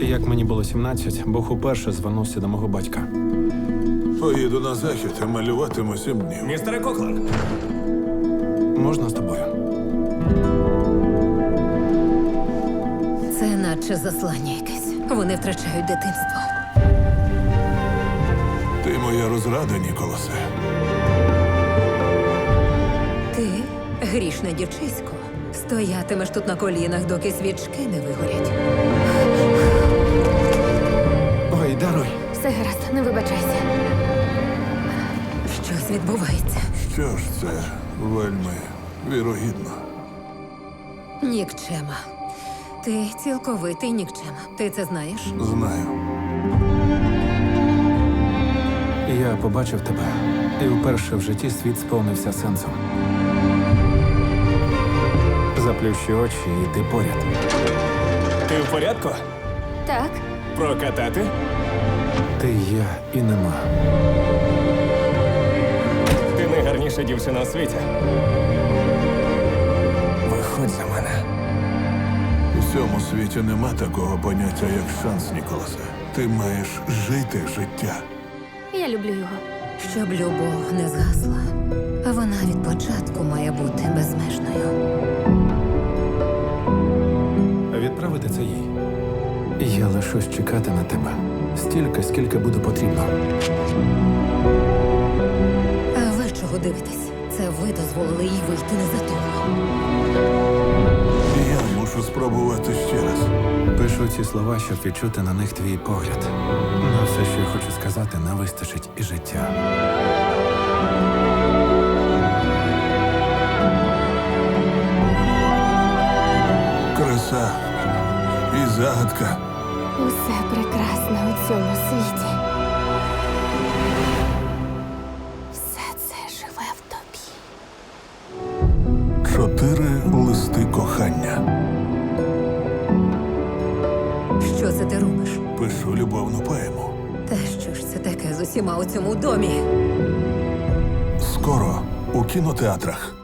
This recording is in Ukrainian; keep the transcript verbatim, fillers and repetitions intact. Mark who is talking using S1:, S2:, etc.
S1: Як мені було сімнадцять, Бог уперше звернувся до мого батька.
S2: Поїду на захід, а малюватиму сім днів.
S3: Містере Коклан,
S1: Можна з тобою?
S4: Це наче заслання якесь. Вони втрачають дитинство.
S2: Ти моя розрада, Ніколасе.
S4: Ти, грішне дівчисько, стоятимеш тут на колінах, доки свічки не вигорять.
S1: Ой, даруй.
S5: Все гаразд, не вибачайся.
S4: Щось відбувається.
S2: Що ж це вельми вірогідно.
S4: Нікчема. Ти цілковитий нікчема. Ти це знаєш?
S2: Знаю.
S1: Я побачив тебе, і вперше в житті світ сповнився сенсом. Заплющи очі, і ти поряд.
S3: ти в порядку?
S5: Так,
S3: Прокатати?
S1: Ти є і нема.
S3: Ти найгарніша дівчина у світі. Виходь за мене.
S2: У цьому світі нема такого поняття, як шанс, Ніколасе. Ти маєш жити життя.
S5: я люблю його.
S4: Щоб любов не згасла, а вона від початку має бути безмежною.
S1: Відправити це їй. Я лишусь чекати на тебе. Стільки, скільки буде потрібно.
S4: А ви чого дивитесь? Це ви дозволили їй вийти не за того.
S2: Я мушу спробувати ще раз.
S1: Пишу ці слова, щоб відчути на них твій погляд. На все, що я хочу сказати, не вистачить і життя.
S2: Краса і загадка.
S5: Усе прекрасне у цьому світі. Все це живе в тобі.
S2: Чотири листи кохання.
S4: Що це ти робиш?
S2: Пишу любовну поему.
S4: Та що ж це таке з усіма у цьому домі?
S2: Скоро у кінотеатрах.